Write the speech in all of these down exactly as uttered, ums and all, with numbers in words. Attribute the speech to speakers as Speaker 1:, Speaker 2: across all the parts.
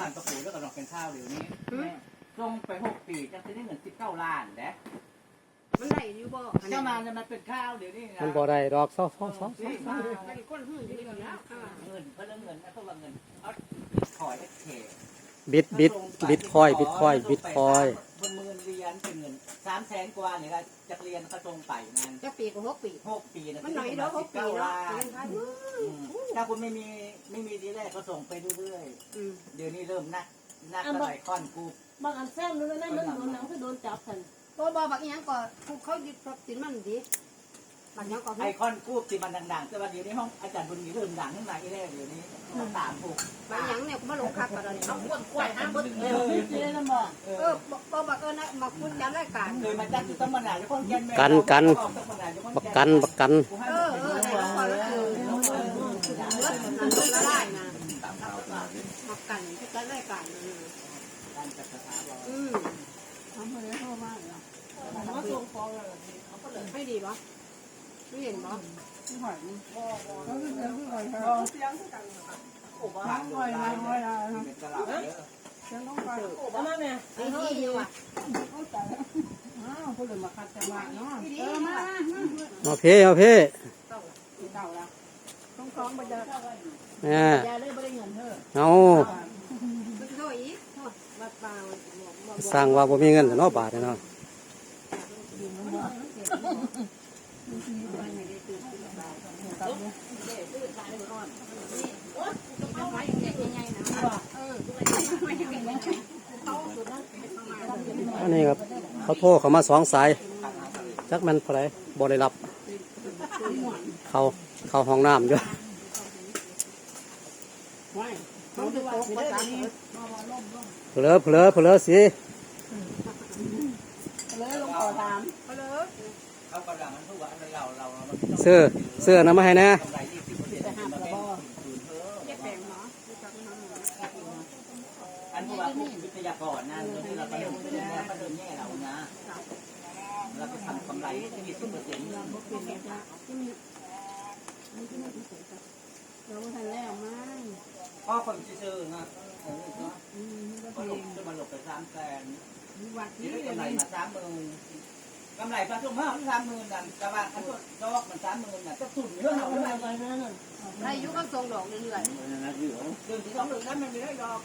Speaker 1: ผ่านประตูแล้วก็ลองเป็นข้าวเดี๋ยวนี้ส่งไปหกปีจะได้เงินสิบเก้าล้านเด้
Speaker 2: มันได้อยู่บ่
Speaker 1: เจ้ามาจะมาเป็นข้าวเดี๋ยวนี้
Speaker 3: มันบ่ได้ดอกซ้อซ้อซ้อซ้อ
Speaker 2: ได้ก้นหื้ออยู่ดีแล้ว
Speaker 1: เงินเขาเรื่องเงินนะต้องว่าเงินเอาคอยเอสเค
Speaker 3: บิดบิดบิดคอยบิดคอยบิดคอย
Speaker 1: คนมือเรียนเป็นเงินสามแสนกว่าเนี่ยจะเรียนเขาส่งไปนั่น
Speaker 2: จะปีกับหกปี
Speaker 1: หกปีนะ
Speaker 2: มันหน่อยเนาะหกปีเนาะ
Speaker 1: ถ้าคุณไม่มีไม่มีทีแรกก็ส่งไปเรื่อยๆเดี๋ยวนี้เริ่มนักนักอะไรค่อนกู
Speaker 4: บางอันแซมนู้นนั่นมันโดนหนังคือโดนจับกัน
Speaker 2: โอ้บ่บักอีหยังก็เขายึดทรัพย์สินมันดีบักหยังก็
Speaker 1: ไอคอนกูที่มันดังๆแต่ว่าเดี๋ยวนี้ห้องอาจารย์บุญมีเริ่มดังขึ้นมาอีแรกเดี๋ยวนี้สามหก
Speaker 2: บักหยังเนี่ยกูมาลงคักกันเลย
Speaker 1: เอาอ้วนกล้วยห้ามบึ้งเออ
Speaker 4: เจ๊ละบอก
Speaker 2: เออบ่บักเออนะมาพูดจำรายการ
Speaker 1: เคยมาจัดอยู่ตั้งมานานแล้วคนแก่แม่
Speaker 3: กันกันบักกันบักกัน
Speaker 2: เออเออให้เราก็รู้สึกเลือดมันละลายนะบักกันที่จัดรายการ
Speaker 1: การจัดสถาบัน
Speaker 2: อืม
Speaker 4: ทำอะไรเข้ามาเหรอเขาส่งฟ้องเลยเขาก็เลย
Speaker 2: ไม่ดีปะไม่เห็นปะ
Speaker 4: ไม่หอยเขาคือเสียงคือหอยเขาเสียงคือกันน้องหอยน้องหอยเสียงน้องหอยเอามาเนี่ย
Speaker 2: ไอ้ที่ดีว่ะ
Speaker 4: อ้าวคนเลยมาคัดจังหวะเนาะเออมา
Speaker 3: มาเพ่มาเพ่
Speaker 4: เก่าแล้วต้องคล้องไปเจอ
Speaker 3: เนี่ย
Speaker 4: ยาเลยไม่ได้เงินเธอ
Speaker 3: เอา
Speaker 2: โทษอีกโทษบัดเปล่า
Speaker 3: สร้างว่าบ่มีเงินเนาะบาทเนาะอันนี้ครับเขาโทรเขามาสองสายจักมันเท่าไหร่บ่ได้รับเขาเขาห้องน้ำด้วยเผลอเผลอเผลอสิเสื้อเสื้อน้ำมาให้นะ
Speaker 1: อันนี้ว่าวิทยากรนะที่เราไปเดินไปเดินไปเดินแย่เรานะเราไปทำกำไรที่ยี่สิบเปอร์เซ็นต์
Speaker 4: เราทันแล้วมั้ง
Speaker 1: พ่อคนซื้อนะก็ลงจะมาหลบไปสามแสนนี่ได้กำไรมาสามหมื่นกำไรปลาทุ่งห้าสามหมื่นนั่นกระบะอันตัวดอกมันสามหมื่นน่ะจะตุ่นเยอะเอาเลย
Speaker 2: อายุก็ทรงดอกเรื่อย
Speaker 1: ๆเดือนที่สองเดือนนั้นมันไม่ได้ดอก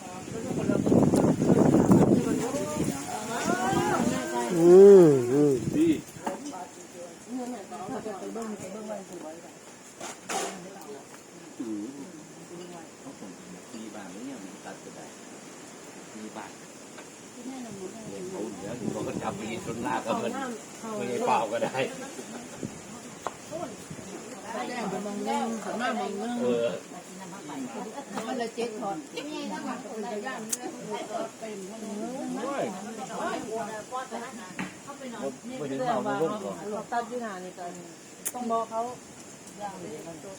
Speaker 3: อืมอืม
Speaker 5: ดีอืมเขาผมตีบาทเนี่ยมันตัดก็ได้ตีบาทเขาเดี๋ยวเขาก็จับมีจนลากก็มันไม่ได้เปล่าก็ได้
Speaker 4: แดงมองเล่นขนมามองเล่นมันเลยเจ๊ถอดยังไงถ้ามันเป็นระยะนี้แล้วเป็นไม่ถึงเปล่าในโลกก่อนหลบตัดยุนานี่กันต้องบอกเขาอย่างนี้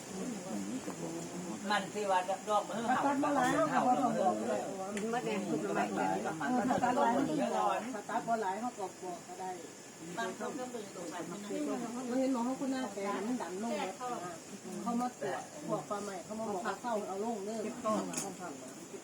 Speaker 1: มันที่ว่าดอกมือ
Speaker 4: ตัดมาแล้วเขาบอกบอกเลย
Speaker 2: มัดแดงคุณไม่ได้
Speaker 4: ตัดตัดหลายตัดพอหลายเขาบอกบอกก็ได้มันเห็นหมอเขาคุณหน้าแกมันดันลงแล้วเขามาตรวจพวกปลาใหม่เขามาบอกเข้าเอาลงเรื่องต้องทำ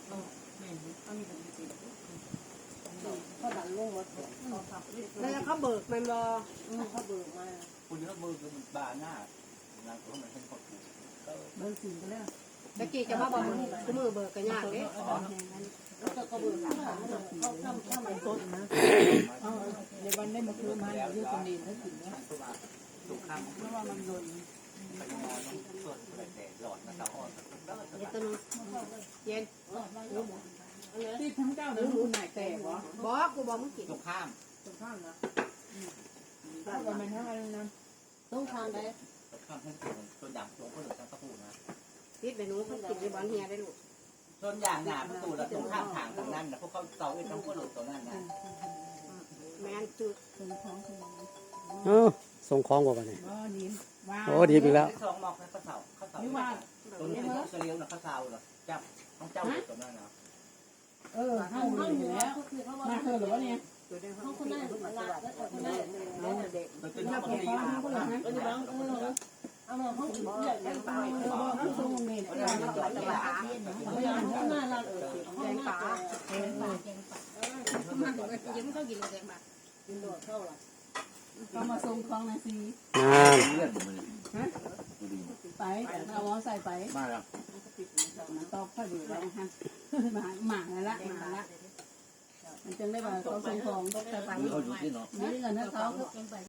Speaker 4: เขาดันลงมา
Speaker 2: แล้วเขาเบิกมันรอ
Speaker 4: เขาเบิกมา
Speaker 1: คุณยกมือคือมันบาหน้าหลังเขามันเป็นคนถูก
Speaker 4: เบิกสี่ไปแล้ว
Speaker 2: ตะกี้จะมาบอกคือมือเบิกกันยากเลย
Speaker 4: แล้วก็เบิกเขาเขาทำทำเป็นต้นนะในวันนี้มาคือมาอยู่ตรงนี้แล้วถึงนะ
Speaker 1: ถูกข้าม
Speaker 4: เพราะว่ามันโดน
Speaker 1: ไปนอนส่วนแต่หลอดนะเตาอ่อน
Speaker 2: เย็นตัวเย็น
Speaker 4: ที่ทั้งเจ้าหรือคุณนายแต่บอ
Speaker 2: บอกกูบอกมึงกิน
Speaker 1: ถูกข้าม
Speaker 4: ถูกข้ามนะก็มันทั้งอะไรนะต้องทานได้
Speaker 1: ถูกข้ามให้ตัวตัวดำตัวก็เหลือทั้งตะปูนะ
Speaker 2: พิษไปนู้นเขากินในบ้านเฮียได้ลูก
Speaker 1: ต้นอย่างหนาประตูแล้วตรงข้ามทางตรงนั้นนะพวกเขาเสาไอ้ทั้งคนหลุดตรงนั้นนะ
Speaker 2: แมนจุด
Speaker 4: ส่งของคือ
Speaker 3: เออส่งของบ่กันนี่
Speaker 4: อ๋อดีว้า
Speaker 3: โอ้ดีอีกแล้ว
Speaker 1: สองหมอกนะเขาเสาเขาเสาตรงนี้เขาเลี้ยวนะเขาเสาเหรอจับต้องเจ้าตรงนั้นนะ
Speaker 4: เออเข้าอยู่แล้วมาเธอหรือว่าเนี่ย
Speaker 2: เขาคนนั้นหลักแล้วคนนั้นเด็ก
Speaker 4: เป็นแค่คนดีนะคนละนะเออเอเอามาห้องใหญ่แดงปลาเออห้องทรงเมนแดงปลาแดงปลาเขาอยากห้องหน้าร้านเออแดงปลาแดงปลาแดงปลาเออเขามาถึงก็ยังไม่ต้องกินเลยแดงปลากินโดดเข้าหรอเขามาทรงคลองนาซี
Speaker 3: งาน
Speaker 5: เลื่อนมันฮะ
Speaker 4: ไปเอาเอาใส่ไป
Speaker 5: มาแล้ว
Speaker 4: มันตอบพอดีแล้วฮะหมาหมาละหมาละมันจึงได้ว่าเขาทรงคลอง
Speaker 5: เขาอยู่ที่เนาะ
Speaker 4: นี่เงินให้เขา